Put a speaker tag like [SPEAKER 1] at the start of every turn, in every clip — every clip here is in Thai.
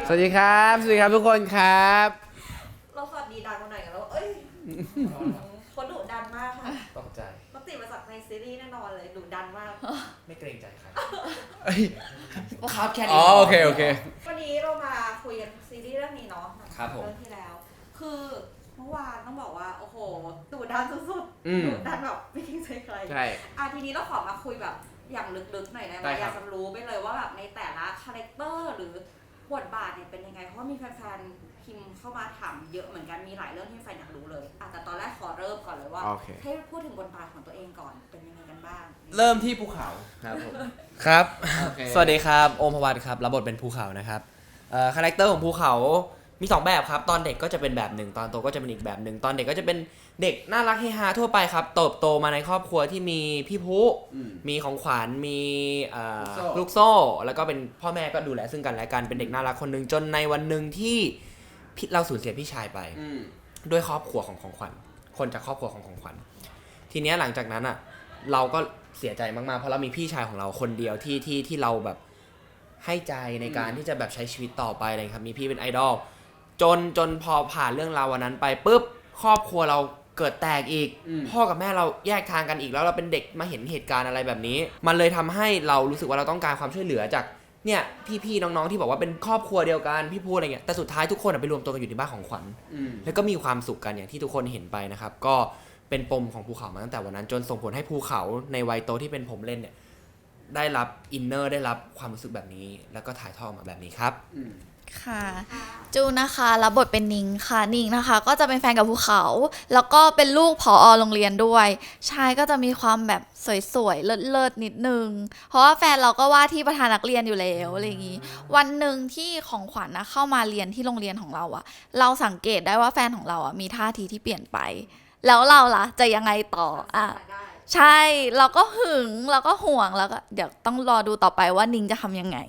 [SPEAKER 1] สวัสดีครับสวัสดีครับทุกคนครับ
[SPEAKER 2] เราสวัสดีดังมาหน่อยกันแล้วเอ้ยเขาดุดันมากค่ะ
[SPEAKER 3] ตกใจ
[SPEAKER 2] ปกติมาจากในซีรีส์แน่นอนเลยดุดันมาก
[SPEAKER 3] ไม่เกรงใจใคร
[SPEAKER 1] ครับแค่นี้อ๋อโอเค
[SPEAKER 2] วันนี้เรามาคุยกันซีรีส์เรื่องนี้เนาะ
[SPEAKER 3] ครับผม
[SPEAKER 2] เรื่องที่แล้วคือเมื่อวานต้องบอกว่าโอ้โหดุดันสุดๆดุดันแบบไม่เกรงใจใคร
[SPEAKER 1] ใช่
[SPEAKER 2] ทีนี้เราขอมาคุยแบบอย่างลึกๆหน่อยได้ไหมอยากจะรู้ไปเลยว่าแบบในแต่ละคาแรคเตอร์หรือบทบาทเนี่ยเป็นยังไงเพราะว่ามีแฟนๆพิมพ์เข้ามาถามเยอะเหมือนกันมีหลายเรื่องที่แฟนอยากรู้เลยแต่ตอนแรกขอเริ่มก่อนเลยว่าให้พูดถึงบทบาทของตัวเองก่อนเป็นยังไงกันบ้าง
[SPEAKER 3] เริ่มที่ภูเขา
[SPEAKER 1] ครับผม
[SPEAKER 3] ครับสวัสดีครับโอมพวัตครับรับบทเป็นภูเขานะครับคาแรคเตอร์ของภูเขามี2แบบครับตอนเด็กก็จะเป็นแบบหนึ่งตอนโตก็จะเป็นอีกแบบหนึ่งตอนเด็กก็จะเป็นเด็กน่ารักเฮฮาทั่วไปครับเติบโตมาในครอบครัวที่มีพี่ผู้มีของขวัญมีลูกโซ่แล้วก็เป็นพ่อแม่ก็ดูแลซึ่งกันและกันเป็นเด็กน่ารักคนหนึ่งจนในวันหนึ่งที่เราสูญเสียพี่ชายไปด้วยครอบครัวของของขวัญคนจากครอบครัวของของขวัญทีนี้หลังจากนั้นอ่ะเราก็เสียใจมากๆเพราะเรามีพี่ชายของเราคนเดียวที่เราแบบให้ใจในการที่จะแบบใช้ชีวิตต่อไปอะไรครับมีพี่เป็นไอดอลจนพอผ่านเรื่องราววันนั้นไปปุ๊บครอบครัวเราเกิดแตกอีกพ่อกับแม่เราแยกทางกันอีกแล้วเราเป็นเด็กมาเห็นเหตุการณ์อะไรแบบนี้มันเลยทำให้เรารู้สึกว่าเราต้องการความช่วยเหลือจากเนี่ยพี่ๆน้องๆที่บอกว่าเป็นครอบครัวเดียวกันพี่พูดอะไรเงี้ยแต่สุดท้ายทุกคนไปรวมตัวกันอยู่ที่บ้านของขวัญแล้วก็มีความสุขกันอย่างที่ทุกคนเห็นไปนะครับก็เป็นปมของภูเขามาตั้งแต่วันนั้นจนส่งผลให้ภูเขาในวัยโตที่เป็นผมเล่นเนี่ยได้รับอินเนอร์ได้รับความรู้สึกแบบนี้แล้วก็ถ่ายทอดมาแบบนี้ครับ
[SPEAKER 4] ค่ะจูนะคะรับบทเป็นนิงค่ะนิงนะคะก็จะเป็นแฟนกับภูเขาแล้วก็เป็นลูกผอ.โรงเรียนด้วยชายก็จะมีความแบบสวยๆเลิศๆนิดนึงเพราะว่าแฟนเราก็ว่าที่ประธานนักเรียนอยู่แล้วอะไรอย่างนี้วันหนึ่งที่ของขวัญนะเข้ามาเรียนที่โรงเรียนของเราอะเราสังเกตได้ว่าแฟนของเราอะมีท่าทีที่เปลี่ยนไปแล้วเราล่ะจะยังไงต่อใช่เราก็หึงเราก็ห่วงแล้วก็เดี๋ยวต้องรอดูต่อไปว่านิงจะทำยังไง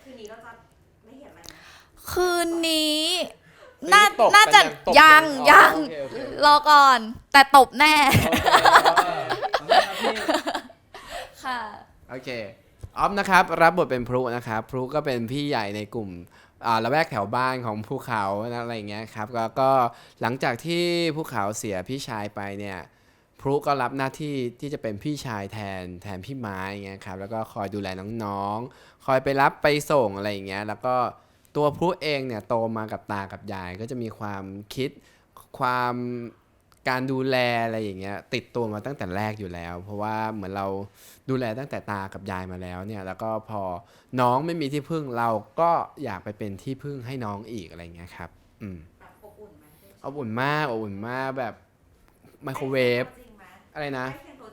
[SPEAKER 4] คืนนี้น่าจะยังรอก่อนแต่ตบแน่ค่ะ
[SPEAKER 1] โอเคออฟนะครับรับบทเป็นพลุนะครับพลุก็เป็นพี่ใหญ่ในกลุ่มละแวกแถวบ้านของภูเขาอะไรอย่างเงี้ยครับก็หลังจากที่ภูเขาเสียพี่ชายไปเนี่ยพลุก็รับหน้าที่ที่จะเป็นพี่ชายแทนพี่ไม้เงี้ยครับแล้วก็คอยดูแลน้องๆคอยไปรับไปส่งอะไรอย่างเงี้ยแล้วก็ตัวพลุเองเนี่ยโตมากับตากับยายก็จะมีความคิดความการดูแลอะไรอย่างเงี้ยติดตัวมาตั้งแต่แรกอยู่แล้วเพราะว่าเหมือนเราดูแลตั้งแต่ตากับยายมาแล้วเนี่ยแล้วก็พอน้องไม่มีที่พึ่งเราก็อยากไปเป็นที่พึ่งให้น้องอีกอะไรเงี้ยครับ
[SPEAKER 2] อบอุ่นไหม
[SPEAKER 1] อบอุ่นมากแบบไมโครเวฟอะไรนะ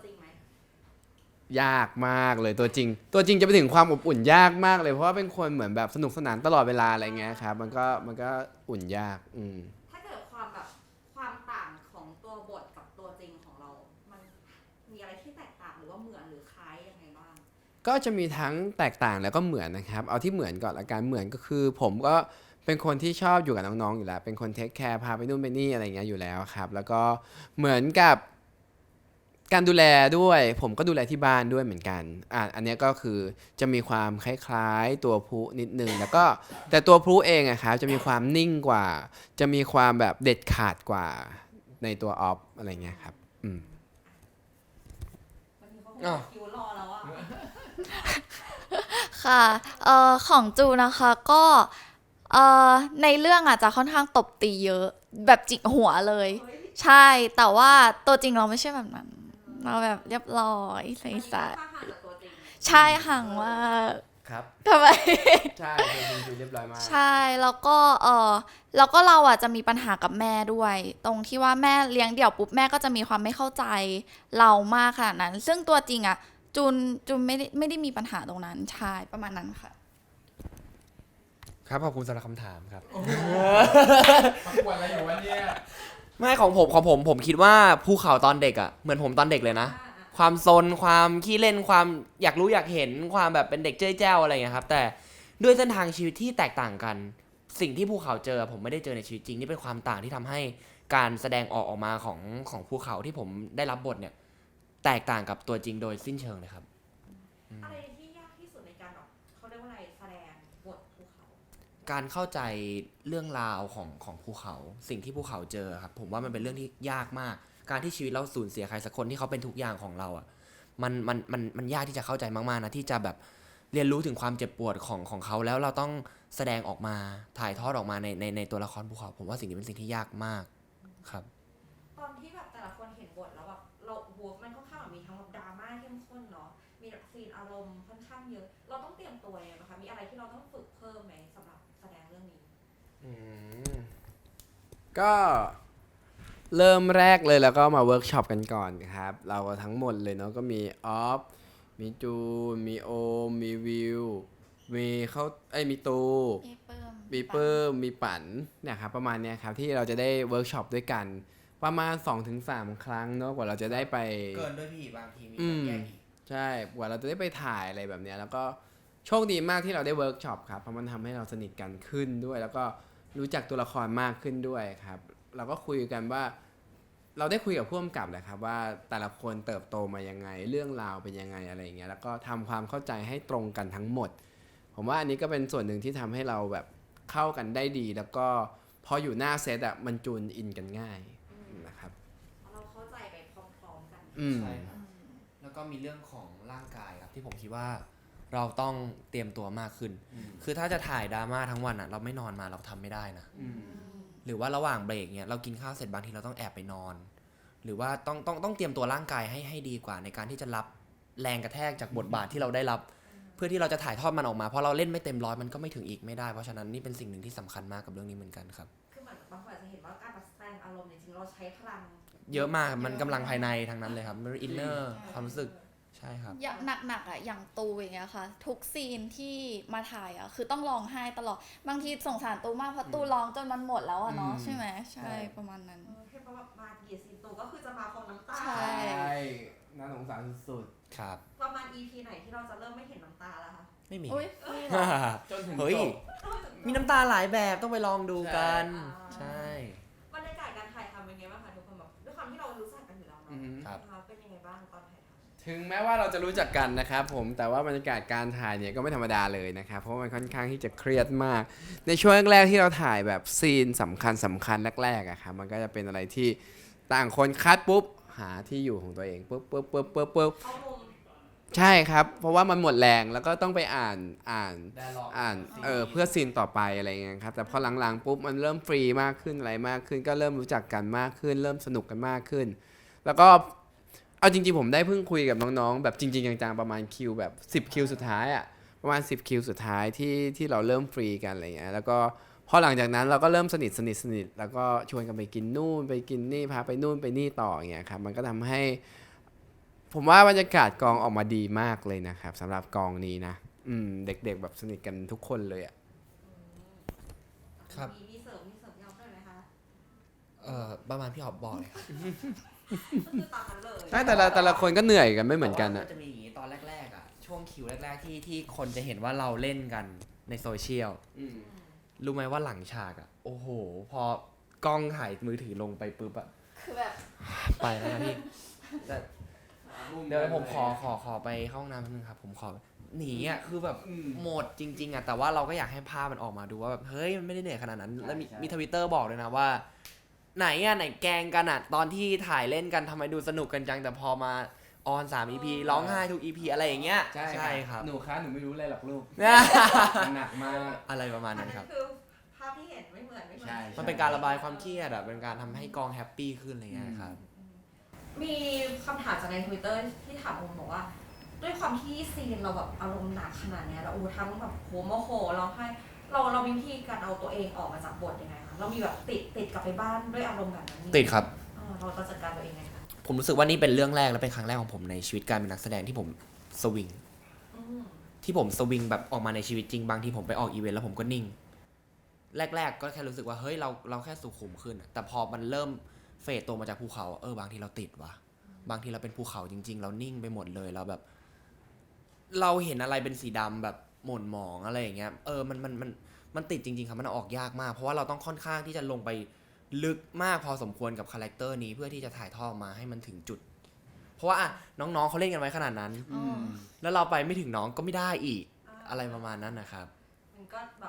[SPEAKER 1] ยากมากเลยตัวจริงจะไปถึงความอบอุ่นยากมากเลยเพราะว่าเป็นคนเหมือนแบบสนุกสนานตลอดเวลาอะไรเงี้ยครับมันก็อุ่นยาก
[SPEAKER 2] ถ้าเกิดความต่างของตัวบทกับตัวจริงของเรามันมีอะไรที่แตกต่างหรือว่าเหมือนหรือคล้ายยังไงบ้าง
[SPEAKER 1] ก็จะมีทั้งแตกต่างแล้วก็เหมือนนะครับเอาที่เหมือนก่อนละกันเหมือนก็คือผมก็เป็นคนที่ชอบอยู่กับน้องๆอยู่แล้วเป็นคนเทคแคร์พาไปนู่นไปนี่อะไรเงี้ยอยู่แล้วครับแล้วก็เหมือนกับการดูแลด้วยผมก็ดูแลที่บ้านด้วยเหมือนกันอันนี้ก็คือจะมีความคล้ายๆตัวพลุนิดนึงแล้วก็แต่ตัวพลุเองอะครับจะมีความนิ่งกว่าจะมีความแบบเด็ดขาดกว่าในตัวออฟอะไรเงี้ยครับ
[SPEAKER 2] คิวรอแล้วอะ
[SPEAKER 4] ค่ะของจูนะคะก็ในเรื่องอาจจะค่อนข้างตบตีเยอะแบบจิกหัวเลยใช่แต่ว่าตัวจริงเราไม่ใช่แบบนั้นเราแบบเรียบร้อยใสๆใช่ห่างว่า
[SPEAKER 1] ครับ
[SPEAKER 4] ทำไม
[SPEAKER 1] ใช่เรียบร้อยมาก
[SPEAKER 4] ใช่แล้วก็เราอ่ะจะมีปัญหากับแม่ด้วยตรงที่ว่าแม่เลี้ยงเดี่ยวปุ๊บแม่ก็จะมีความไม่เข้าใจเรามากขนาดนั้นซึ่งตัวจริงอ่ะจูนไม่ได้มีปัญหาตรงนั้นใช่ประมาณนั้นค่ะ
[SPEAKER 3] ครับขอบคุณสำหรับคำถามครับ
[SPEAKER 1] ประกวดอะไรอยู่วะเนี่ย
[SPEAKER 3] ไม่ของผมคิดว่าภูเขาตอนเด็กอ่ะเหมือนผมตอนเด็กเลยนะความซนความขี้เล่นความอยากรู้อยากเห็นความแบบเป็นเด็กเจ้ยแจ้วอะไรอย่างเงี้ยครับแต่ด้วยเส้นทางชีวิตที่แตกต่างกันสิ่งที่ภูเขาเจอผมไม่ได้เจอในชีวิตจริงนี่เป็นความต่างที่ทำให้การแสดงออกมาของภูเขาที่ผมได้รับบทเนี่ยแตกต่างกับตัวจริงโดยสิ้นเชิงเลยครับ
[SPEAKER 2] อะไรที่ยากที่สุดในการเขาเรียกว่าอะไรแสดงบทภูเขา
[SPEAKER 3] การเข้าใจเรื่องราวของภูเขาสิ่งที่ภูเขาเจอครับผมว่ามันเป็นเรื่องที่ยากมากการที่ชีวิตเราสูญเสียใครสักคนที่เขาเป็นทุกอย่างของเราอ่ะมันยากที่จะเข้าใจมากๆนะที่จะแบบเรียนรู้ถึงความเจ็บปวดของเขาแล้วเราต้องแสดงออกมาถ่ายทอดออกมาในตัวละครภูเขาผมว่าสิ่งนี้เป็นสิ่งที่ยากมากครับ
[SPEAKER 2] ตอนที่แบบแต่ละคนเห็นบทแล้วแบบเราบวกมันค่อนข้างแบบมีทั้งแบบดราม่าเข้มข้นเนาะมีแบบซีนอารมณ์ค่อนข้างเยอะเราต้องเตรียมตัวยังไงนะคะมีอะไรที่เราต้องฝึกเพิ่มไหมสำหรับแสดงเรื่องนี้
[SPEAKER 1] ก็เริ่มแรกเลยแล้วก็มาเวิร์กช็อปกันก่อนครับ เราทั้งหมดเลยเนาะก็มีออฟมีจูนมีโอมมีวิวมีมีตู
[SPEAKER 4] มีเปิ้ม
[SPEAKER 1] มีเปิ้มมีปั่นเนี่ยครับประมาณเนี้ยครับที่เราจะได้เวิร์กช็อปด้วยกันประมาณ 2-3 ครั้งเนาะกว่าเราจะได้ไป
[SPEAKER 3] เกินด้วยพี่บางทีมี
[SPEAKER 1] แยกอีกใช่กว่าเราจะได้ไปถ่ายอะไรแบบเนี้ยแล้วก็โชคดีมากที่เราได้เวิร์กช็อปครับเพราะมันทำให้เราสนิทกันขึ้นด้วย แล้วก็รู้จักตัวละครมากขึ้นด้วยครับเราก็คุยกันว่าเราได้คุยกับผู้กำกับแหละครับว่าแต่ละคนเติบโตมายังไงเรื่องราวเป็นยังไงอะไรอย่างเงี้ยแล้วก็ทำความเข้าใจให้ตรงกันทั้งหมดผมว่าอันนี้ก็เป็นส่วนหนึ่งที่ทำให้เราแบบเข้ากันได้ดี แล้วก็พออยู่หน้าเซตอะมันจูนอินกันง่ายนะครับ
[SPEAKER 2] เราเข้าใจไปพร้อมๆกัน
[SPEAKER 3] ใช่ครับแล้วก็มีเรื่องของร่างกายครับที่ผมคิดว่าเราต้องเตรียมตัวมากขึ้น คือถ้าจะถ่ายดราม่าทั้งวันอ่ะเราไม่นอนมาเราทำไม่ได้นะหรือว่าระหว่างเบรกเนี่ยเรากินข้าวเสร็จบางทีเราต้องแอบไปนอน หรือว่าต้องเตรียมตัวร่างกายให้ดีกว่าในการที่จะรับแรงกระแทกจากบทบาทที่เราได้รับ เพื่อที่เราจะถ่ายทอดมันออกมาเพราะเราเล่นไม่เต็มร้อยมันก็ไม่ถึงอีกไม่ได้เพราะฉะนั้นนี่เป็นสิ่งหนึ่งที่สำคัญมากกับเรื่องนี้เหมือนกันครับ
[SPEAKER 2] คือเหมือนบางคนอาจจะเห็นว่าการแสดงอารมณ์เนี่ยจริงๆเราใช้พลัง
[SPEAKER 3] เยอะมากมันกำลังภายในทั้งนั้นเลยครับมันอินเนอร์ความรู้สึกใช่ครับ
[SPEAKER 4] อย่างหนักๆอ่ะอย่างตูอย่างเงี้ยค่ะทุกซีนที่มาถ่ายอ่ะคือต้องร้องไห้ตลอดบางทีสงสารตูมากเพราะตูร้องจนมันหมดแล้วอ่ะเนาะใช่ไหมใช่ประมาณนั้น
[SPEAKER 2] เห็นว่าแบบมาเหยียดซีนตูก็คือจะมาพร้อมน้ำตา
[SPEAKER 4] ใช่
[SPEAKER 1] น่าสงสารสุด
[SPEAKER 3] ครับ
[SPEAKER 2] ประมาณ EP ไหนที่เราจะเริ่มไม่เห็นน้ำตาแล้วคะ
[SPEAKER 3] ไม่มี
[SPEAKER 4] อุ้ย
[SPEAKER 1] จนถึง
[SPEAKER 3] เฮ้ย มีน้ำตาหลายแบบต้องไปลองดูกัน
[SPEAKER 2] ใช่
[SPEAKER 3] ใช่
[SPEAKER 2] บรรยากาศการถ่ายทำเป็นไงบ้างคะทุกคนแบบด้วยความที่เรารู้จักกันอยู่แล้วเนาะ
[SPEAKER 3] ครับ
[SPEAKER 2] นะคะเป็นยังไงบ้างตอนถ่ายทำ
[SPEAKER 1] ถึงแม้ว่าเราจะรู้จักกันนะครับผมแต่ว่าบรรยากาศการถ่ายเนี่ยก็ไม่ธรรมดาเลยนะครับเพราะว่ามันค่อนข้างที่จะเครียดมาก ในช่วงแรกๆที่เราถ่ายแบบซีนสำคัญแรกๆอะครับมันก็จะเป็นอะไรที่ต่างคนคัดปุ๊บหาที่อยู่ของตัวเองปุ๊บ
[SPEAKER 2] เข้ามุม
[SPEAKER 1] ใช่ครับเพราะว่ามันหมดแรงแล้วก็ต้องไปอ่านเพื่อซีนต่อไปอะไรเงี้ยครับแต่พอหลังๆปุ๊บมันเริ่มฟรีมากขึ้นอะไรมากขึ้นก็เริ่มรู้จักกันมากขึ้นเริ่มสนุกกันมากขึ้น แล้วก็เอาจริงๆผมได้เพิ่งคุยกับน้องๆแบบจริงๆจังๆประมาณคิวแบบ10คิวสุดท้ายอะประมาณ10คิวสุดท้ายที่เราเริ่มฟรีกันอะไรเงี้ยแล้วก็พอหลังจากนั้นเราก็เริ่มสนิทแล้วก็ชวนกันไปกินนู่นไปกินนี่พาไปนู่นไปนี่ต่ออย่างเงี้ยครับมันก็ทำให้ผมว่าบรรยากาศกองออกมาดีมากเลยนะครับสำหรับกองนี้นะเด็กๆแบบสนิทกันทุกคนเลยอะ
[SPEAKER 3] ครับ
[SPEAKER 2] มีเสริมยาวด้วยไหมคะ
[SPEAKER 3] ประมาณพี่หอบบอกเลยครับ
[SPEAKER 2] ก็คือตามนั้นเลย
[SPEAKER 1] ใช่แต่ละคนก็เหนื่อยกันไม่เหมือนกัน
[SPEAKER 3] แต่
[SPEAKER 1] อะ
[SPEAKER 3] ว่าจะมีอย่างนี้ตอนแรกๆอ่ะช่วงคิวแรกๆที่คนจะเห็นว่าเราเล่นกันในโซเชียลรู้ไหมว่าหลังฉากอ่ะโอ้โห พอกล้องถ่ายมือถือลงไปปุ๊บอ่ะ
[SPEAKER 4] คือแบบ
[SPEAKER 3] ไปแล้วนะพี่แต่เดี๋ยวผมขอไปเข้าห้องน้ำแป๊บนึงครับผมขอหนีอ่ะคือแบบหมดจริงๆอ่ะแต่ว่าเราก็อยากให้ภาพมันออกมาดูว่าแบบเฮ้ยมันไม่ได้เหนื่อยขนาดนั้นแล้วมีทวิตเตอร์บอกเลยนะว่า ไหนแกล้งกันอ่ะตอนที่ถ่ายเล่นกันทำไมดูสนุกกันจังแต่พอมาออน3 EP ร้องไห้ทุก EP อะไรอย่างเงี้ยใช่ครับ
[SPEAKER 1] หนูคะหนูไม่รู้เลยหรอกลูกหนักมาก
[SPEAKER 3] อะไรประมาณนั้นครับ
[SPEAKER 2] คือภาพที่เห็นไม่เหมือน
[SPEAKER 1] ใช่
[SPEAKER 3] มันเป็นการระบายความเครียดอ่ะเป็นการทำให้กองแฮปปี้ขึ้นอะไรเงี้ยครับ
[SPEAKER 2] มีคำถามจากใน Twitter ที่ถามผมบอกว่า ด้วยความที่ซีนเราแบบอารมณ์หนักขนาดเนี้ยแล้วทั้งแบบโหโมโหร้องไห้เรามีวิธีการเอาตัวเองออกมาจากบทยังไงคะเรามีแบบติดกลับไปบ้านด้วยอารมณ์แบบนั้น
[SPEAKER 3] ติดครับ
[SPEAKER 2] เราจัดการตัวเองไงคะ
[SPEAKER 3] ผมรู้สึกว่านี่เป็นเรื่องแรกและเป็นครั้งแรกของผมในชีวิตการเป็นนักแสดงที่ผมสวิง ที่ผมสวิงแบบออกมาในชีวิตจริงบางทีผมไปออกอีเวนต์แล้วผมก็นิ่ง แรกๆก็แค่รู้สึกว่าเฮ้ยเราแค่สุขุมขึ้นอะแต่พอมันเริ่มเฟดตัวมาจากภูเขาบางทีเราติดว่ะบางทีเราเป็นภูเขาจริงๆ เรานิ่งไปหมดเลยเราแบบ เราเห็นอะไรเป็นสีดำแบบหม่นหมองอะไรอย่างเงี้ยมันติดจริงๆครับมันออกยากมากเพราะว่าเราต้องค่อนข้างที่จะลงไปลึกมากพอสมควรกับคาแรคเตอร์นี้เพื่อที่จะถ่ายทอดมาให้มันถึงจุด เพราะว่าน้องๆเขาเล่นกันไว้ขนาดนั้น แล้วเราไปไม่ถึงน้องก็ไม่ได้อีกอะไรประมาณนั้นนะครับ
[SPEAKER 2] มันก็แบบเรา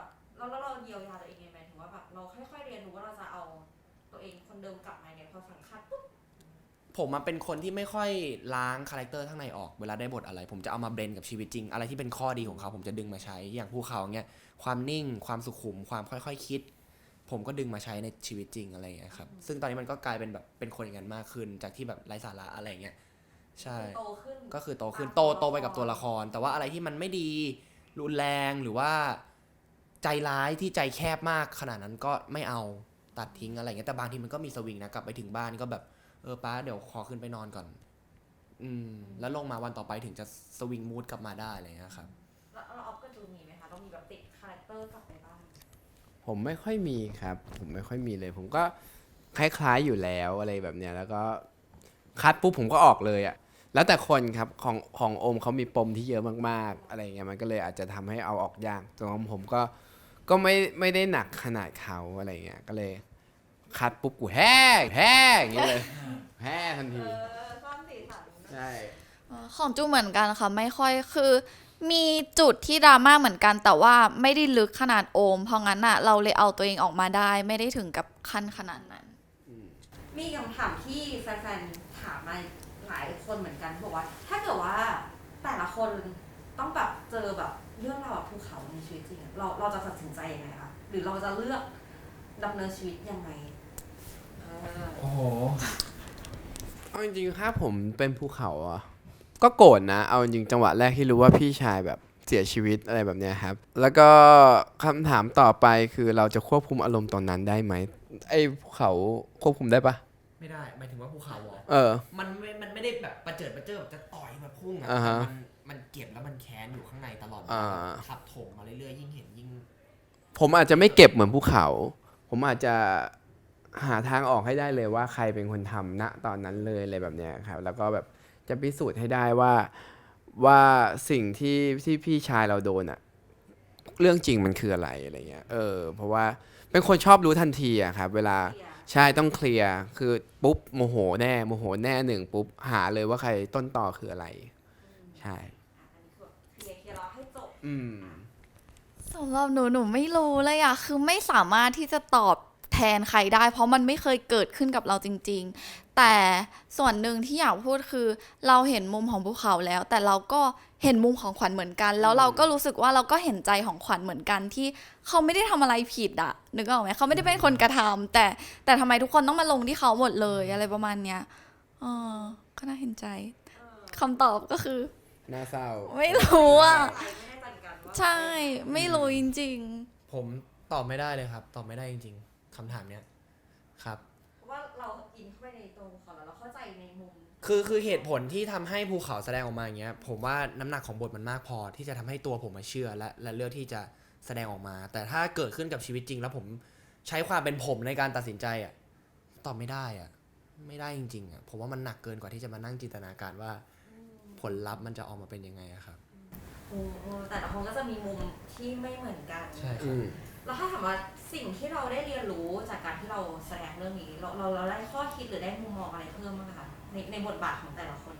[SPEAKER 2] ก็แล้วเราเยียวยาตัวเองยังไงถึงว่าแบบเราค่อยๆเรียนรู้ว่าเราจะเอาตัวเองคนเดิมกลับมาเนี่ยพอสังคัดปุ๊บ
[SPEAKER 3] ผมมาเป็นคนที่ไม่ค่อยล้างคาแรคเตอร์ข้างในออกเวลาได้บทอะไร ผมจะเอามาเบลนกับชีวิตจริงอะไรที่เป็นข้อดีของเขาผมจะดึงมาใช้อย่างภูเขาเงี้ยความนิ่งความสุขุมความค่อยๆคิด ผมก็ดึงมาใช้ในชีวิตจริงอะไรอย่างเงี้ยครับซึ่งตอนนี้มันก็กลายเป็นแบบเป็นคนอย่างนั้นมากขึ้นจากที่แบบไร้สาระอะไรเงี้ยใช่
[SPEAKER 2] โตขึ้น
[SPEAKER 3] ก็คือโตขึ้นโตไปกับตัวละคร แต่ว่าอะไรที่มันไม่ดีรุนแรงหรือว่าใจร้ายที่ใจแคบมากขนาดนั้นก็ไม่เอาตัดทิ้งอะไรเงี้ยแต่บางทีมันก็มีสวิงนะกลับไปถึงบ้านก็แบบป้าเดี๋ยวขอขึ้นไปนอนก่อนแล้วลงมาวันต่อไปถึงจะสวิงมูดกลับมาได้อะไรเงี้ยครับ
[SPEAKER 2] แล้วออฟก็จูมีไหมคะต้องมีแบบติดคาแรคเตอร์กลับไปบ้าง
[SPEAKER 1] ผมไม่ค่อยมีครับผมไม่ค่อยมีเลย ผมก็คล้ายๆอยู่แล้วอะไรแบบเนี้ยแล้วก็คัดปุ๊บผมก็ออกเลยอะแล้วแต่คนครับของโอมเขามีปมที่เยอะมากๆอะไรเงี้ยมันก็เลยอาจจะทำให้เอาออกยากส่วนของผมก็ไม่ได้หนักขนาดเขาอะไรเงี้ยก็เลยคัดปุ๊บกูแห้อย่างเงี้ยเลยแห้ทันที
[SPEAKER 2] สร้างสีสัน
[SPEAKER 1] ใช่
[SPEAKER 4] ของจูเหมือนกันค่ะไม่ค่อยคือมีจุดที่ดราม่าเหมือนกันแต่ว่าไม่ได้ลึกขนาดโอมเพราะงั้นอะเราเลยเอาตัวเองออกมาได้ไม่ได้ถึงกับขั้นขนาดนั้น
[SPEAKER 2] มีคำถามที่แฟนๆถามมาหลายคนเหมือนกันบอกว่า ถ้าเกิดว่าแต่ละคนต้องแบบเจอแบบเรื่องราวแบบภูเขาในชีวิตจริงอะเราจะตัดสินใจยังไงคะหรือเราจะเลือกดำเนินชีวิตยังไง
[SPEAKER 3] โอ้โห
[SPEAKER 1] เอาจริงๆถ้าผมเป็นภูเขาอะก็โกรธนะเอาจริงๆจังหวะแรกที่รู้ว่าพี่ชายแบบเสียชีวิตอะไรแบบเนี้ยครับแล้วก็คำถามต่อไปคือเราจะควบคุมอารมณ์ตอนนั้นได้ไหมไอ้ภูเขาควบคุมได้ปะ
[SPEAKER 3] ไม่ได้หมายถึงว่าภูเขาเหรอ
[SPEAKER 1] เออ
[SPEAKER 3] มันไม่ได้แบบประเจิดแบบจะต่อยแบบพุ่งอะ
[SPEAKER 1] อ่าฮะ
[SPEAKER 3] แต่มันเก็บแล้วมันแค้นอยู่ข้างในตลอดเวลา
[SPEAKER 1] อ่า
[SPEAKER 3] ทับถมมาเรื่อยๆยิ่งเห็นยิ่ง
[SPEAKER 1] ผมอาจจะไม่เก็บเหมือนภูเขา ผมอาจจะหาทางออกให้ได้เลยว่าใครเป็นคนทำณตอนนั้นเลยอะไรแบบเนี้ยครับแล้วก็แบบจะพิสูจน์ให้ได้ว่าสิ่งที่พี่ชายเราโดนอะเรื่องจริงมันคืออะไรเงี้ยเพราะว่าเป็นคนชอบรู้ทันทีอะครับเวลา
[SPEAKER 2] เคลียร์
[SPEAKER 1] ใช่ต้องเคลียร์คือปุ๊บโมโหแน่หนึ่งปุ๊บหาเลยว่าใครต้นต่อคืออะไร ใช่
[SPEAKER 2] อันนี้คือเคลียร์เราให้จบ
[SPEAKER 4] สำหรับหนูไม่รู้เลยอะคือไม่สามารถที่จะตอบแทนใครได้ เพราะมันไม่เคยเกิดขึ้นกับเราจริงๆ แต่ส่วนหนึ่งที่อยากพูดคือเราเห็นมุมของภูเขาแล้ว แต่เราก็เห็นมุมของขวัญเหมือนกัน แล้วเราก็รู้สึกว่าเราก็เห็นใจของขวัญเหมือนกันที่เขาไม่ได้ทำอะไรผิดอะนึกออกไหมเขาไม่ได้เป็นคนกระทำแต่ทำไมทุกคนต้องมาลงที่เขาหมดเลยอะไรประมาณเนี้ยก็น่าเห็นใจคำตอบก็คือ
[SPEAKER 1] น่าเศร้า
[SPEAKER 4] ไม่รู้อะ
[SPEAKER 2] ไม่แน่ใจเหมือนกันว่า
[SPEAKER 4] ใช่ไม่รู้จริง
[SPEAKER 3] ผมตอบไม่ได้เลยครับ ตอบไม่ได้จริงๆคำถามเนี้ยครับ
[SPEAKER 2] เพราะว่าเราอินเข้าไปในตัวของเราเข้าใจในมุม
[SPEAKER 3] คือเหตุผลที่ทำให้ภูเขาแสดงออกมาอย่างเงี้ยผมว่าน้ำหนักของบทมันมากพอที่จะทำให้ตัวผมมาเชื่อและเลือกที่จะแสดงออกมา แต่ถ้าเกิดขึ้นกับชีวิตจริง แล้วผมใช้ความเป็นผมในการตัดสินใจอ่ะตอบไม่ได้อ่ะไม่ได้จริงๆอ่ะผมว่ามันหนักเกินกว่าที่จะมานั่งจินตนาการว่าผลลัพธ์มันจะออกมาเป็นยังไงอะครับ
[SPEAKER 2] แต่ละคนก็จะมีมุมที่ไม่เหมือนกัน
[SPEAKER 3] ใช่ครับ
[SPEAKER 2] แล้วถ้าถามว่าสิ่งที่เราได้เรียนรู้จากการที่เราแสดงเรื่องนี้เราได้ข้อคิดหรือได้มุมมองอะไรเพิ่มบ้างคะในบทบาทของแต่ละคน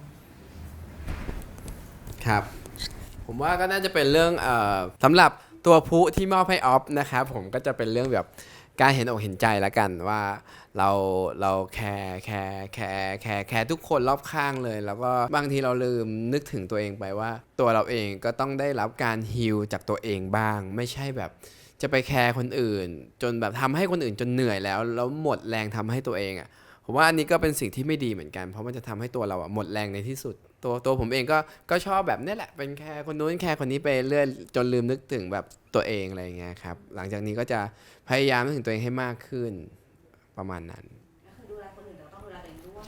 [SPEAKER 1] ครับ ผมว่าก็น่าจะเป็นเรื่องสำหรับตัวผู้ที่มอบให้ออฟนะครับผมก็จะเป็นเรื่องแบบการเห็นอกเห็นใจละกันว่าเราแคร์ทุกคนรอบข้างเลย แล้วก็บางทีเราลืมนึกถึงตัวเองไปว่า ตัวเราเองก็ต้องได้รับการฮีลจากตัวเองบ้าง ไม่ใช่แบบจะไปแคร์คนอื่น จนแบบทำให้คนอื่นจนเหนื่อยแล้วหมดแรงทำให้ตัวเองอ่ะผมว่าอันนี้ก็เป็นสิ่งที่ไม่ดีเหมือนกันเพราะมันจะทำให้ตัวเราหมดแรงในที่สุดตัวผมเองก็ชอบแบบนี้แหละเป็นแค่คนนู้นแค่คนนี้ไปเรื่อยจนลืมนึกถึงแบบตัวเองอะไรอย่างเงี้ยครับหลังจากนี้ก็จะพยายามนึกถึงตัวเองให้มากขึ้นประมาณนั้น
[SPEAKER 2] ก็คือดูแลคนอื่นเราต้องดูแลตัวเองด้วย
[SPEAKER 1] ใช่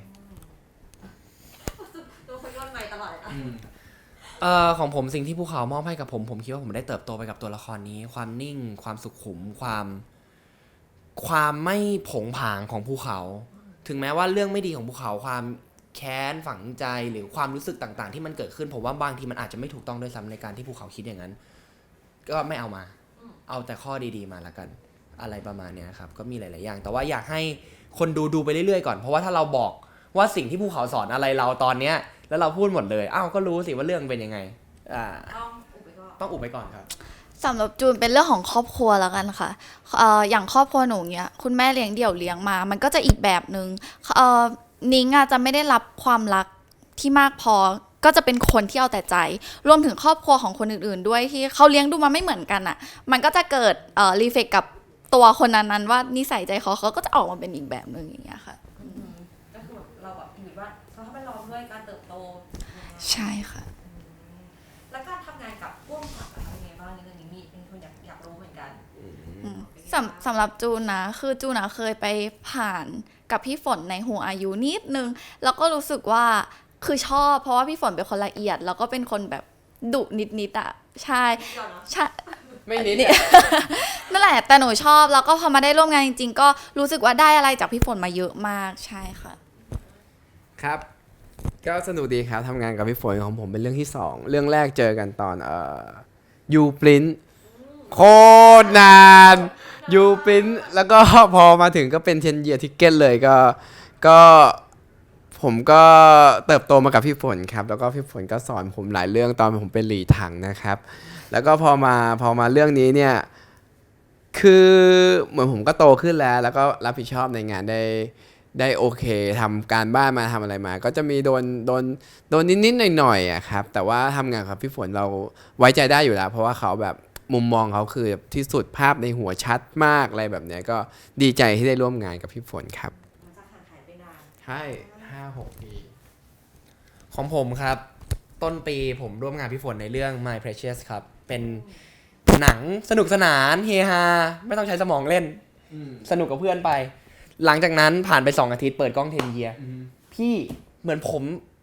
[SPEAKER 2] ตัวคนย้อนใหม่ตลอดเลยอะ
[SPEAKER 3] ของผมสิ่งที่ภูเขามอบให้กับผมคิดว่าผมได้เติบโตไปกับตัวละครนี้ ความนิ่ง ความสุขุมความไม่ผงผางของภูเขา ถึงแม้ว่าเรื่องไม่ดีของภูเขาความแค้นฝังใจหรือความรู้สึกต่างๆ ที่มันเกิดขึ้นผมว่าบางทีมันอาจจะไม่ถูกต้องด้วยซ้ำในการที่ภูเขาคิดอย่างนั้น ก็ไม่เอามา เอาแต่ข้อดีๆมาละกันอะไรประมาณเนี้ยครับก็มีหลายๆอย่าง แต่ว่าอยากให้คนดูไปเรื่อยๆก่อนเพราะว่าถ้าเราบอกว่าสิ่งที่ภูเขาสอนอะไรเราตอนเนี้ยแล้วเราพูดหมดเลยอ้าวก็รู้สิว่าเรื่องเป็นยังไง
[SPEAKER 2] ต้องอุบไปก่อน
[SPEAKER 3] ต้องอุบไปก่อนครับ
[SPEAKER 4] ๆสำหรับจูนเป็นเรื่องของครอบครัวแล้วกันค่ะอย่างครอบครัวหนูเนี้ยคุณแม่เลี้ยงเดี่ยวเลี้ยงมา มันก็จะอีกแบบนึงนิ้งอะจะไม่ได้รับความรักที่มากพอก็จะเป็นคนที่เอาแต่ใจรวมถึงครอบครัวของคนอื่นๆด้วยที่เขาเลี้ยงดูมาไม่เหมือนกันอะมันก็จะเกิดรีเฟกกับตัวคนนั้นๆว่านิสัยใจเขาก็จะออกมาเป็นอีกแบบนึงอย่างเงี้ยค่ะ
[SPEAKER 2] ก็คือแบบเราแบบคิดว่าเขาทำให้เราด้วยการเติบโต
[SPEAKER 4] ใช่ค่ะ
[SPEAKER 2] แล้วการทำงานกับพ่วงกับอะไรยังไงบ้างในเรื่องนี้มีเป็นคนอยากรู้เหมือนกัน
[SPEAKER 4] สำหรับจูนนะคือจูนนะเคยไปผ่านกับพี่ฝนในหัวอายุนิดนึงแล้วก็รู้สึกว่าคือชอบเพราะว่าพี่ฝนเป็นคนละเอียด แล้วก็เป็นคนแบบดุนิดๆอ่ะใช่ใช่
[SPEAKER 1] ไม่นิด
[SPEAKER 4] นั่นแหละแต่หนูชอบแล้วก็พอมาได้ร่วมงานจริงๆก็รู้สึกว่าได้อะไรจากพี่ฝนมาเยอะมากใช่ค่ะ
[SPEAKER 1] ครับ ก็สนุกดีครับทำงานกับพี่ฝนของผมเป็นเรื่องที่ 2 เรื่องแรกเจอกันตอนยูปรินโคตรนานยูปรินแล้วก็พอมาถึงก็เป็น10 year ticket เลยก็ผมก็เติบโตมากับพี่ฝนครับแล้วก็พี่ฝนก็สอนผมหลายเรื่องตอนผมเป็นหลีถังนะครับแล้วก็พอมาเรื่องนี้เนี่ยคือเหมือนผมก็โตขึ้นแล้วก็รับผิดชอบในงานได้โอเคทำการบ้านมาทำอะไรมา ก็จะมีโดนนิดๆหน่อยๆอะครับแต่ว่าทำงานกับพี่ฝนเราไว้ใจได้อยู่แล้วเพราะว่าเขาแบบมุมมองเขาคือที่สุดภาพในหัวชัดมากอะไรแบบเนี้ยก็ดีใจที่ได้ร่วมงานกับพี่ฝนครับ
[SPEAKER 2] มันจะห่างหายไปนาน
[SPEAKER 1] ใช่5-6 ปี
[SPEAKER 3] ของผมครับ ต้นปีผมร่วมงานพี่ฝนในเรื่อง My Precious ครับ เป็นหนังสนุกสนานเฮฮาไม่ต้องใช้สมองเล่น สนุกกับเพื่อนไป หลังจากนั้นผ่านไป2 อาทิตย์เปิดกล้อง10 year พี่เหมือนผม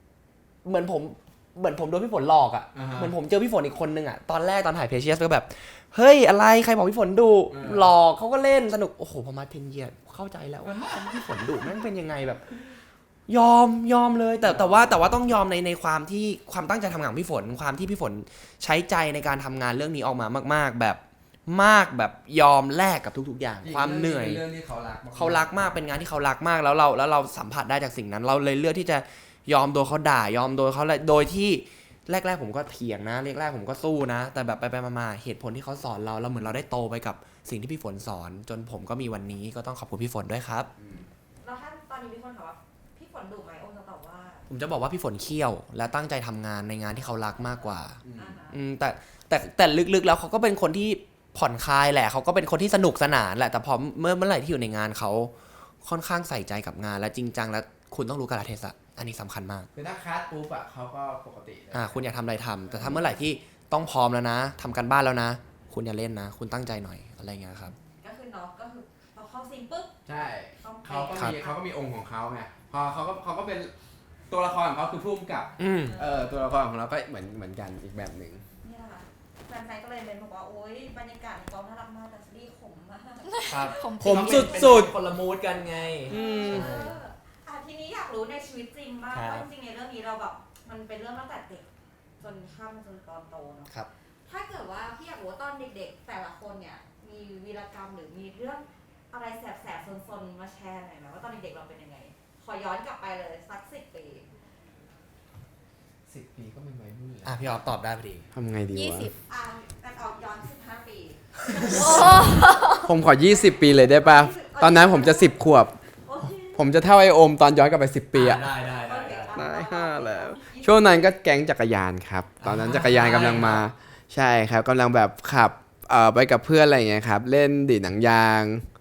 [SPEAKER 3] โดนพี่ฝนหลอกอ่ะ เหมือนผมเจอพี่ฝนอีกคนนึงอ่ะตอนแรกตอนถ่าย Precious ก็แบบเฮ้ยอะไรใครบอกพี่ฝนดุหลอกเขาก็เล่นสนุกโอ้โหพอมา10 year เข้าใจแล้วว่าพี่ฝนดุแม่งเป็นยังไงแบบ ยอมเลยแต่ว่าต้องยอมในความที่ความตั้งใจทำงานของพี่ฝนความที่พี่ฝนใช้ใจในการทำงานเรื่องนี้ออกมามากๆแบบยอมแลกกับทุกๆอย่างความเหนื่อย
[SPEAKER 1] เรื่องที่เขารัก
[SPEAKER 3] มากเป็นงานที่เขารักมากแล้วเราสัมผัสได้จากสิ่งนั้น เราเลยเลือกที่จะยอมโดนเขาด่ายอมโดนเขาโดยที่แรกๆผมก็เถียงนะแรกๆผมก็สู้นะ แต่แบบไปมาเหตุผลที่เขาสอนเราเหมือนเราได้โตไปกับสิ่งที่พี่ฝนสอน จนผมก็มีวันนี้ก็ต้องขอบคุณพี่ฝนด้วยครับ
[SPEAKER 2] แล้วถ้าตอนนี้มีคนถามว่าพี่ฝนดุไหมโอมจะตอบว่า
[SPEAKER 3] ผมจะบอกว่าพี่ฝนเคี่ยวและตั้งใจทำงานในงานที่เขารักมากกว่า
[SPEAKER 2] อ่าฮะ
[SPEAKER 3] แต่ลึกๆแล้วเขาก็เป็นคนที่ผ่อนคลายแหละเขาก็เป็นคนที่สนุกสนานแหละแต่พอเมื่อไหร่ที่อยู่ในงานเขาค่อนข้างใส่ใจกับงานและจริงจังและคุณต้องรู้กาลเทศะอันนี้สำคัญมาก
[SPEAKER 1] คือถ้าคัสปุ๊บอะเขาก็ปกติเลย
[SPEAKER 3] คุณอยากทำอะไรทำแต่ถ้าเมื่อไหร่ที่ต้องพร้อมแล้วนะทำการบ้านแล้วนะ คุณอย่าเล่นนะ คุณตั้งใจหน่อยอะไรเงี้ยครับ
[SPEAKER 2] ก็คือเนาะก็คือพอเข้าซีนปุ๊บ
[SPEAKER 1] ใช่
[SPEAKER 2] ต้อง
[SPEAKER 1] เขาก็มีองค์ของเขาไงพอเขาก็เป็นตัวละครของเขาคือผู้กำกับ ตัวละครของเราก็เหมือนกันอีกแบบหนึ่ง
[SPEAKER 2] นี่แหละค่ะแฟนๆก็เลยเป็นบอกว่าโอ๊ยบรรยากาศในกองน่ารักมากแต่ซีรีส์ขมมาก
[SPEAKER 3] ครับ
[SPEAKER 4] ผม
[SPEAKER 3] สุดคนละมูดกันไง
[SPEAKER 2] ทีนี้อยากรู้ในชีวิตจริงบ้าง
[SPEAKER 3] ครับ
[SPEAKER 2] ว่าจริงๆในเรื่องนี้เราแบบมันเป็นเรื่องตั้งแต่เด็กจนข้ามมาจนตอนโตเนาะ
[SPEAKER 3] ครับ
[SPEAKER 2] ถ้าเกิดว่าพี่อยากรู้ว่าตอนเด็กๆ แต่ละคนเนี่ยมีวีรกรรมหรือมีเรื่องอะไรแสบๆซนๆมาแชร์หน่อยไหมว่าตอนเด็กๆเราเป็นยังไง ขอย้อนกลับไปเลยสัก10 ปี
[SPEAKER 1] 10 ปีก็เป็นวัยรุ่นแล้ว
[SPEAKER 3] พี่ออฟตอบได้พอดี
[SPEAKER 1] ทำไงดีวะ
[SPEAKER 2] แต่เอาย้อน15 ปี
[SPEAKER 1] ผมขอ20 ปีเลยได้ป่ะตอนนั้นผมจะ10 ขวบ
[SPEAKER 2] โอเค
[SPEAKER 1] ผมจะเท่าไอโอมตอนย้อนกลับไป10 ปีอะ
[SPEAKER 3] ได้
[SPEAKER 1] ได้5แล้ว ช่วงนั้นก็แก๊งจักรยานครับ ตอนนั้นจักรยานกำลังมา ใช่ครับกำลังแบบขับไปกับเพื่อนอะไรอย่างเงี้ยครับ เล่นดีดหนังยาง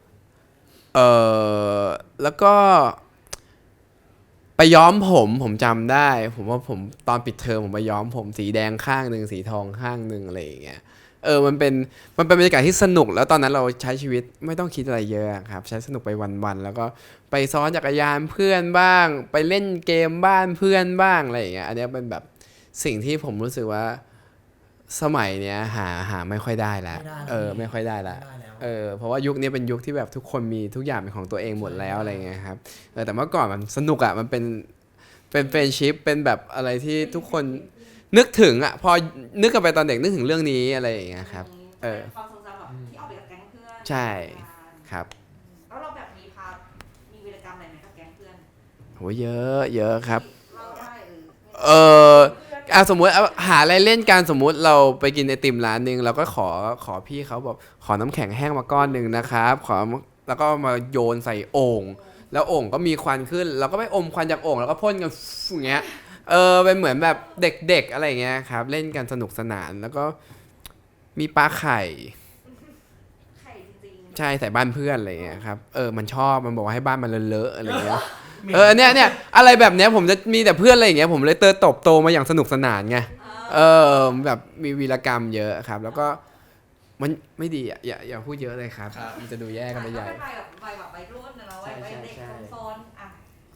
[SPEAKER 1] แล้วก็ไปย้อมผมจำได้ ผมว่าผมตอนปิดเทอมผมไปย้อมผมสีแดงข้างหนึ่งสีทองข้างหนึ่งอะไรอย่างเงี้ยมันเป็นบรรยากาศที่สนุกแล้วตอนนั้นเราใช้ชีวิตไม่ต้องคิดอะไรเยอะครับใช้สนุกไปวันๆแล้วก็ไปซ้อนจักรยานเพื่อนบ้าง ไปเล่นเกมบ้านเพื่อนบ้างอะไรอย่างเงี้ยอันนี้เป็นแบบสิ่งที่ผมรู้สึกว่าสมัยเนี้ยหาไม่ค่อยได้แล้วไม่ค่อยได้แล้วเพราะว่ายุคนี้เป็นยุคที่แบบทุกคนมีทุกอย่างเป็นของตัวเองหมดแล้วอะไรเงี้ยครับแต่เมื่อก่อนมันสนุกอ่ะมันเป็นเฟรนด์ชิพเป็นแบบอะไรที่ทุกคนนึกถึงอ่ะพอนึกกลับไปตอนเด็กนึกถึงเรื่องนี้อะไรอย่างเงี้ยครับ
[SPEAKER 2] ความทรงจำแบบที่ออกไปกับแก๊งเพื่อน
[SPEAKER 1] ใช่ครับ
[SPEAKER 2] แล้วเราแบบมีวีรกรรมอะไรไหมกับแก๊งเพื่อน
[SPEAKER 1] โหเยอะครับ
[SPEAKER 2] เล่าได้
[SPEAKER 1] สมมุติหาอะไรเล่นกันสมมุติเราไปกินไอติมร้านนึงเราก็ขอพี่เขาบอกขอน้ำแข็งแห้งมาก้อนหนึ่งนะครับแล้วก็มาโยนใส่โอ่งแล้วโอ่งก็มีควันขึ้นเราก็ไปอมควันจากโอ่งแล้วก็พ่นกันอย่างเงี้ยเป็นเหมือนแบบเด็กๆอะไรเงี้ยครับเล่นกันสนุกสนานแล้วก็มีปลาไข่
[SPEAKER 2] ไข่จริง
[SPEAKER 1] ใช่ใส่บ้านเพื่อนอะไรเงี้ยครับมันชอบมันบอกว่าให้บ้านมันเลอะๆอะไรเงี้ยเนี่ยอะไรแบบเนี้ยผมจะมีแต่เพื่อนอะไรอย่างเงี้ยผมเลยเติบโตมาอย่างสนุกสนานไงแบบมีวีรกรรมเยอะครับ แล้วก็มันไม่ดีอ่ะอย่าพูดเยอะเลยครับมันจะดูแย่กันไปใหญ่
[SPEAKER 2] ก็เป็นวัยรุ่นนะเนาะวัยเด็กโซนๆ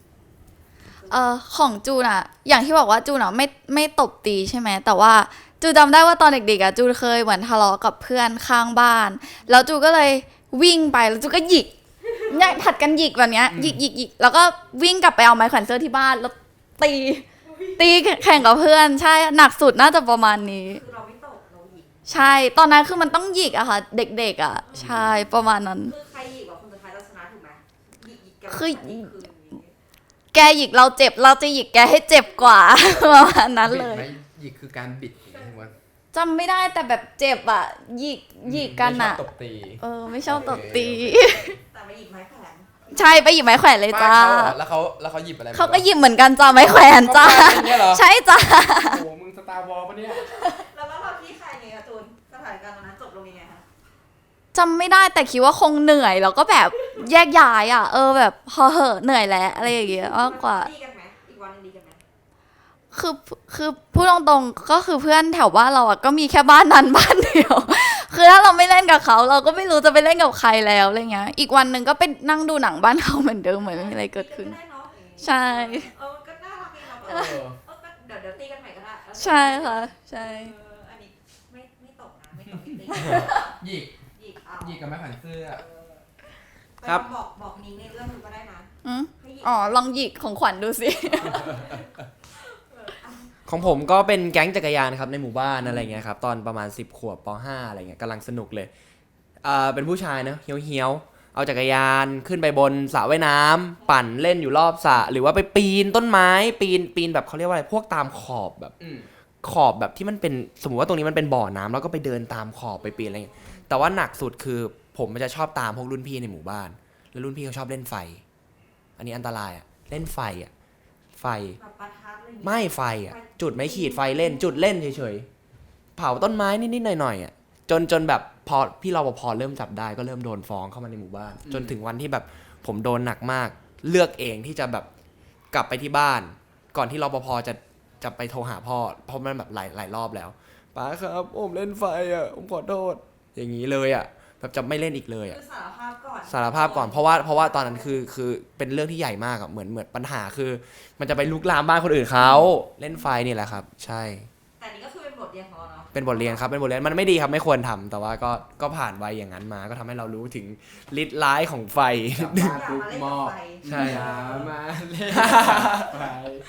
[SPEAKER 4] ของจูนอะอย่างที่บอกว่าจูนอะไม่ตบตีใช่ไหมแต่ว่าจูจำได้ว่าตอนเด็กๆอะจูเคยเหมือนทะเลาะกับเพื่อนข้างบ้านแล้วจูก็เลยวิ่งไปแล้วจูก็หยิกเนี่ยผัดกันหยิกแบบเนี้ยหยิกแล้วก็วิ่งกลับไปเอาไม้แขวนเสื้อที่บ้านแล้วตีแข่งกับเพื่อนใช่หนักสุดน่าจะประมาณนี้
[SPEAKER 2] คือเราไม่ตกเราหยิก
[SPEAKER 4] ใช่ตอนนั้นคือมันต้องหยิกอะค่ะเด็กๆอะใช่ประมาณนั้น
[SPEAKER 2] คือใครหยิกกว่าคนสุดท้ายเราชนะถูกไหมหยิกกัน
[SPEAKER 4] คือ
[SPEAKER 2] นี่
[SPEAKER 4] แกหยิกเราเจ็บเราจะหยิกแกให้เจ็บกว่า ประมาณนั้นเลย
[SPEAKER 1] หยิกคือการบิดใช่ไหม
[SPEAKER 4] จำไม่ได้แต่แบบเจ็บอะหยิกกันอะ
[SPEAKER 1] ไม่ชอบตบตี
[SPEAKER 4] ไม่ชอบตบตี
[SPEAKER 2] แต่ไม่หยิกไม้แขวน
[SPEAKER 4] ใช่ไปหยิบไม้แขวนเลยจ้า
[SPEAKER 1] แล้วเขาหยิบอะไร
[SPEAKER 4] เขาก็หยิบเหมือนกันจ้าไม้แขวนจ้า
[SPEAKER 1] เนี่ยเหรอ
[SPEAKER 4] ใช่จ้า
[SPEAKER 1] โอ้โหมึงสตาร์วอลปะเนี่ย
[SPEAKER 2] แล้วเราที่ใครไงการ์ตูนสถานการณ์ตอนนั้นจบลงยังไงคะ
[SPEAKER 4] จำไม่ได้แต่คิดว่าคงเหนื่อยแล้วก็แบบแยกย้ายอะแบบพอเหอะเหนื่อยแล้วอะไรอย่างเงี้ยมากกว่า
[SPEAKER 2] ดีกันไหมอีกวันหนึงดีกันไหม
[SPEAKER 4] คือพูดตรงๆก็คือเพื่อนแถวบ้านเราอะก็มีแค่บ้านนั้นบ้านเดียว คือถ้าเราไม่เล่นกับเขาเราก็ไม่รู้จะไปเล่นกับใครแล้วอะไรเงี้ยอีกวันหนึ่งก็ไปนั่งดูหนังบ้านเขาเหมือนเดิมเหมือนไม่มีอะไรเกิดขึ้น
[SPEAKER 2] ตีกันได้เนาะ
[SPEAKER 4] ใช่
[SPEAKER 2] ก็น่ารักดีเนาะก็เดี๋ยวตีกันใหม่ก็ได้
[SPEAKER 4] ใช่ค่ะใช่
[SPEAKER 2] อันนี้ไม่ตกนะไม่ตกตี
[SPEAKER 1] หยิก
[SPEAKER 2] หยิกเอา
[SPEAKER 1] หยิกกับไม้แขวนเสื้อ
[SPEAKER 3] ครับ
[SPEAKER 2] บอกนิ้งในเรื่องนึงก็ได้นะ
[SPEAKER 4] อืม
[SPEAKER 2] ให้หยิก
[SPEAKER 4] ลองหยิกของขวัญดูสิ
[SPEAKER 3] ของผมก็เป็นแก๊งจักรยานครับในหมู่บ้านอะไรเงี้ยครับตอนประมาณ10 ขวบป .5 อะไรเงี้ยกำลังสนุกเลยเป็นผู้ชายเนอะเฮี้ยวๆเอาจักรยานขึ้นไปบนสระว่ายน้ำปั่นเล่นอยู่รอบสระหรือว่าไปปีนต้นไม้ปีนแบบเขาเรียกว่าอะไรพวกตามขอบแบบขอบแบบที่มันเป็นสมมติว่าตรงนี้มันเป็นบ่อน้ำแล้วก็ไปเดินตามขอบไปปีนอะไรเงี้ยแต่ว่าหนักสุดคือผมมันจะชอบตามพวกรุ่นพี่ในหมู่บ้าน แล้วรุ่นพี่เขาชอบเล่นไฟ อันนี้อันตรายเล่นไฟไฟ
[SPEAKER 2] แบบประทัดอะไรอย่างเงี้ย
[SPEAKER 3] ไม่ไฟจุดไม่ขีดไฟเล่นจุดเล่นเฉยๆเผาต้นไม้นิดๆหน่อยๆจนแบบพอพี่รปภเริ่มจับได้ก็เริ่มโดนฟ้องเข้ามาในหมู่บ้าน จนถึงวันที่แบบผมโดนหนักมาก เลือกเองที่จะแบบกลับไปที่บ้าน ก่อนที่รปภจะไปโทรหาพ่อเพราะมันแบบหลายรอบแล้วป้าครับผมเล่นไฟผมขอโทษอย่างนี้เลยแบบจะไม่เล่นอีกเลย
[SPEAKER 2] คือสารภาพก่อน
[SPEAKER 3] สารภาพก่อนเพราะว่าตอนนั้นคือเป็นเรื่องที่ใหญ่มากเหมือนปัญหาคือ มันจะไปลุกลามบ้านคนอื่นเขาเล่นไฟนี่แหละครับ ใช่
[SPEAKER 2] แต่นี่ก็คือเป็นบทเรียนของเราเนาะ
[SPEAKER 3] เป็นบทเรียนครับเป็นบทเรียนมันไม่ดีครับไม่ควรทำแต่ว่าก็ผ่านวัยอย่างนั้นมาก็ทำให้เรารู้ถึงฤทธิ์ร้ายของไฟ
[SPEAKER 1] กลับบ้าน
[SPEAKER 2] อย่า
[SPEAKER 1] ปุ๊บ
[SPEAKER 2] มาเล่น
[SPEAKER 1] หม้อ
[SPEAKER 2] กับไฟ
[SPEAKER 3] ใช่
[SPEAKER 1] อย่ามาเล่นไฟ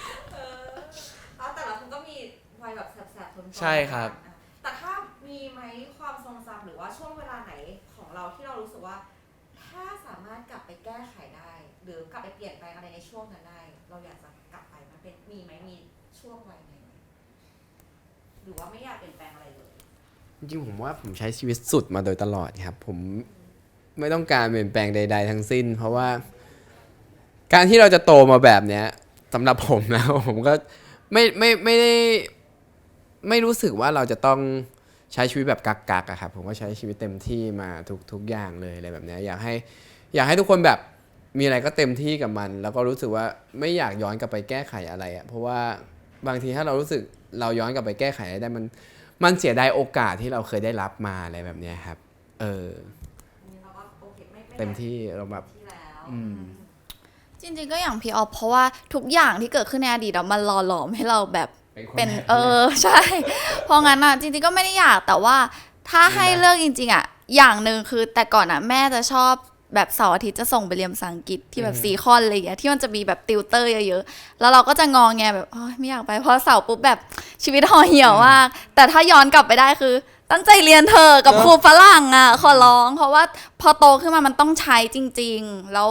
[SPEAKER 2] แต่ละคนก็มีวัยแบบแสบๆทนๆ
[SPEAKER 3] ใช่ครับ
[SPEAKER 2] แต่ถ้ามีไหมความทรงจำหรือว่าช่วงเวลาไหนของเราที่เรารู้สึกว่า ถ้าสามารถกลับไปแก้ไขได้ หรือกลับไปเปลี่ยนแปลงอะไรในช่วงนั้นได้ เราอยากจะกลับไปมันเป็นมีไหมมีช่วงวัยไหนไหมหรือว่าไม่อยากเปลี่ยนแปลงอะไรเลย
[SPEAKER 1] จริงๆผมว่าผมใช้ชีวิตสุดมาโดยตลอดครับ ผมไม่ต้องการเปลี่ยนแปลงใด ๆ ทั้งสิ้น เพราะว่า การที่เราจะโตมาแบบเนี้ยสำหรับผมนะ ผมก็ไม่ได้ไม่รู้สึกว่าเราจะต้องใช้ชีวิตแบบกักๆอะครับผมก็ใช้ชีวิตเต็มที่มาทุกอย่างเลยอะไรแบบเนี้ยอยากให้ทุกคนแบบมีอะไรก็เต็มที่กับมัน แล้วก็รู้สึกว่าไม่อยากย้อนกลับไปแก้ไขอะไรอะเพราะว่าบางทีถ้าเรารู้สึกเราย้อนกลับไปแก้ไขอะไรได้มันเสียดายโอกาสที่เราเคยได้รับมาอะไรแบบเนี้ยครับ
[SPEAKER 2] เราก็โอเคไม่
[SPEAKER 1] เต็มที่เราแบบ
[SPEAKER 2] ที่แล้ว
[SPEAKER 4] จริงๆก็อย่างพี่ออฟเพราะว่าทุกอย่างที่เกิดขึ้นในอดีตมันหล่อหลอมให้เราแบบ เป็นใช่ เพราะงั้นอ่ะจริงๆก็ไม่ได้อยากแต่ว่าถ้าให้เลือกจริงๆอ่ะอย่างหนึ่งคือแต่ก่อนอ่ะแม่จะชอบแบบเสาร์อาทิตย์จะส่งไปเรียนภาษาอังกฤษที่แบบซีคอนอะไรอย่างเงี้ยที่มันจะมีแบบติวเตอร์เยอะๆแล้วเราก็จะงอแงแบบไม่อยากไปเพราะเสาร์ปุ๊บแบบชีวิตห่อเหี่ยวมากแต่ถ้าย้อนกลับไปได้คือตั้งใจเรียนเธอกับครูฝรั่งอ่ะขอร้องเพราะว่าพอโตขึ้นมามันต้องใช้จริงๆแล้ว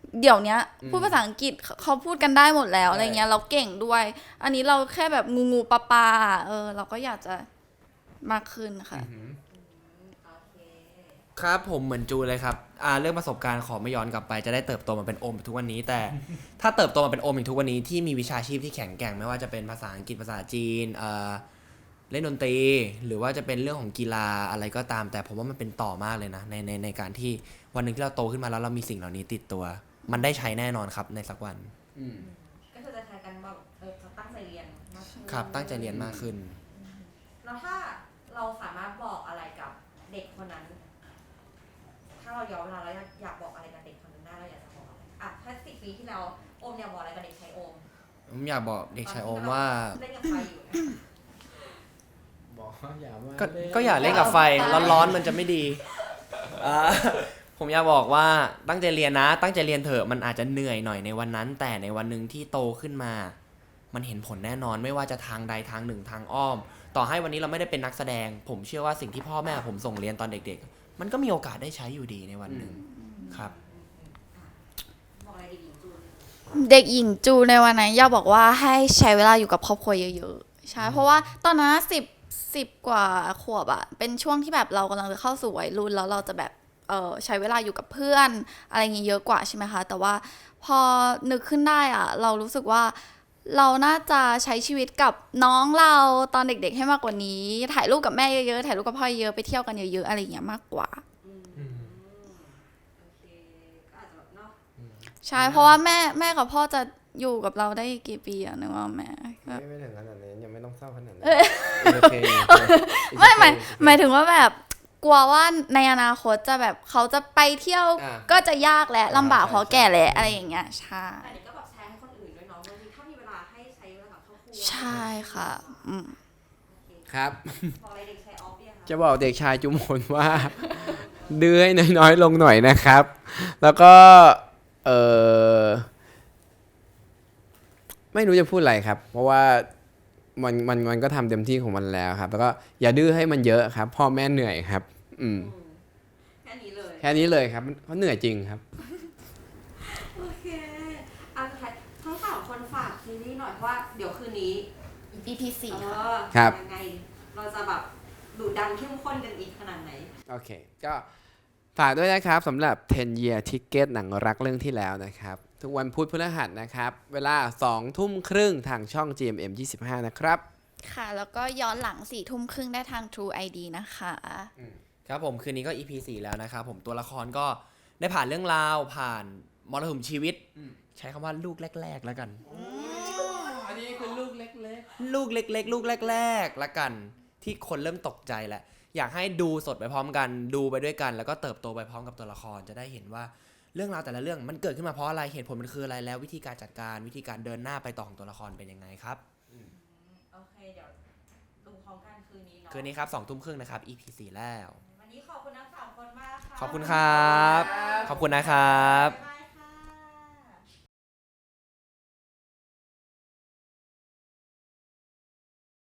[SPEAKER 4] เดี๋ยวเนี้ยพูดภาษาอังกฤษเขาพูดกันได้หมดแล้วอะไรเงี้ยเราเก่งด้วย อันนี้เราแค่แบบงูปลาปลาเราก็อยากจะมากขึ้นค่ะ
[SPEAKER 2] โอเค
[SPEAKER 3] ครับผมเหมือนจูเลยครับเรื่องประสบการณ์ขอไม่ย้อนกลับไปจะได้เติบโตมาเป็นโอมทุกวันนี้ แต่ ถ้าเติบโตมาเป็นโอมอย่างทุกวันนี้ที่มีวิชาชีพที่แข็งแกร่งไม่ว่าจะเป็นภาษาอังกฤษภาษาจีนเล่นดนตรี หรือว่าจะเป็นเรื่องของกีฬาอะไรก็ตาม แต่ผมว่ามันเป็นต่อมากเลยนะในการที่วันหนึ่งที่เราโตขึ้นมาแล้วเรามีสิ่งเหล่านี้ติดตัว มันได้ใช้แน่นอนครับในสักวัน
[SPEAKER 2] ก็คือจะแทนกันแบบจะตั้งใจเรียนมากขึ้น
[SPEAKER 3] ครับตั้งใจเรียนมากขึ้น
[SPEAKER 2] แล้วถ้าเราสามารถบอกอะไรกับเด็กคนนั้น ถ้าเราย้อนเวลาแล้วอยากบอกอะไรกับเด็กคนนั้นได้เราอยากจะบอกอะไรถ้า10 ปีที่แล้วโอมอยากบอกอะไรกับเด็กชายโอม
[SPEAKER 3] ผมอยากบอกเด็กชายโอมว่า
[SPEAKER 2] เล่นกับไฟอยู่นะ
[SPEAKER 1] บอกว่าอย่ามา
[SPEAKER 3] ก็อย่าเล่นกับไฟร้อนๆมันจะไม่ดีผมอยากบอกว่าตั้งใจเรียนนะตั้งใจเรียนเถอะมันอาจจะเหนื่อยหน่อยในวันนั้น แต่ในวันหนึ่งที่โตขึ้นมา มันเห็นผลแน่นอนไม่ว่าจะทางใดทางหนึ่งทางอ้อม ต่อให้วันนี้เราไม่ได้เป็นนักแสดง ผมเชื่อว่าสิ่งที่พ่อแม่ผมส่งเรียนตอนเด็กๆ มันก็มีโอกาสได้ใช้อยู่ดีในวันหนึ่งครับ
[SPEAKER 2] บอกอะไรดีๆจูน
[SPEAKER 4] เด็กหญิงจูในวันนั้นอยากบอกว่าให้ใช้เวลาอยู่กับครอบครัวเยอะๆใช่เพราะว่าตอนนั้น10 กว่าขวบอะเป็นช่วงที่แบบเรากำลังจะเข้าสู่วัยรุ่นแล้วเราจะแบบใช้เวลาอยู่กับเพื่อนอะไรอย่างงี้เยอะกว่าใช่ไหมคะแต่ว่าพอนึกขึ้นได้อะเรารู้สึกว่าเราน่าจะใช้ชีวิตกับน้องเราตอนเด็กๆให้มากกว่านี้ถ่ายรูปกับแม่เยอะๆถ่ายรูปกับพ่อเยอะไปเที่ยวกันเยอะๆอะไรอย่างเงี้ยมากกว่า
[SPEAKER 2] โอเคก็อาจจะแบบเนาะ
[SPEAKER 4] ใช่เพราะว่าแม่กับพ่อจะอยู่กับเราได้กี่ปีอะนึกว่าแม่ก็
[SPEAKER 1] ไม่ถึงขนาดนี้ยังไม่ต้องเศร้าขนาดนั้น
[SPEAKER 4] ไม่หมายถึงว่าแบบกลัวว่าในอนาคตจะแบบเขาจะไปเที่ยวก็จะยากและลำบากเพราะแก่แล้วอะไรอย่างเงี้ยใช่
[SPEAKER 2] แต่นี่ก็แบบแชร์ให้คนอื่นด้วยเนาะบางทีถ้ามีเวลาให้ใช้เวลากับครอบครัว
[SPEAKER 4] ใช่ค่ะ
[SPEAKER 2] โอเค
[SPEAKER 1] ครับ
[SPEAKER 2] บอกอะไรเด็กชายออฟเนี่ยค่ะ
[SPEAKER 1] จะบอกเด็กชายจุมพลว่า ดื้อให้น้อยๆลงหน่อยนะครับ แล้วก็ไม่รู้จะพูดอะไรครับ เพราะว่ามันก็ทำเต็มที่ของมันแล้วครับ แล้วก็อย่าดื้อให้มันเยอะครับ พ่อแม่เหนื่อยครับ
[SPEAKER 2] แค่นี้เลย
[SPEAKER 1] แค่นี้เลยครับเขาเหนื่อยจริงครับ
[SPEAKER 2] โอเคทั้ง3 คนฝากซีรีส์หน่อยเพราะว่าเดี๋ยวคืนนี้
[SPEAKER 4] EP 4ค่ะ
[SPEAKER 1] ครับ
[SPEAKER 2] ยังไงเราจะแบบดุดันเข้มข้นกันอีกขนาดไหน
[SPEAKER 1] โอเค ก็ฝากด้วยนะครับสำหรับ 10 Year Ticket หนังรักเรื่องที่แล้วนะครับ ทุกวันพุธพฤหัสนะครับ เวลา 20:30 ทางช่อง GMM 25 นะครับ
[SPEAKER 4] ค่ะ แล้วก็ย้อนหลัง4 ทุ่มครึ่งได้ทาง True ID นะคะ
[SPEAKER 3] ครับผมคืนนี้ก็ EP 4 แล้วนะครับผมตัวละครก็ได้ผ่านเรื่องราวผ่านมรสุมชีวิต ใช้คำว่าลูกแรกๆแล้วกัน
[SPEAKER 1] อันนี้คือลูกเล็ก
[SPEAKER 3] ลูกเล็กๆ ลูกแรกๆแล้วกันที่คนเริ่มตกใจแหละอยากให้ดูสดไปพร้อมกันดูไปด้วยกัน แล้วก็เติบโตไปพร้อมกับตัวละครจะได้เห็นว่าเรื่องราวแต่ละเรื่องมันเกิดขึ้นมาเพราะอะไรเหตุผลมันคืออะไรแล้ววิธีการจัดการวิธีการเดินหน้าไปต่อของตัวละครเป็นยังไงครับ
[SPEAKER 2] โอเคเดี๋ยวดูพร้อมกันคืนนี้เนาะ
[SPEAKER 3] คืนนี้ครับ20:30นะครับ EP 4 แล้ว
[SPEAKER 2] วันนี้ขอบคุณทั้ง3 คนมากค่ะ
[SPEAKER 3] ขอบคุณครับขอบคุณนะครับ
[SPEAKER 2] บ๊ายบาย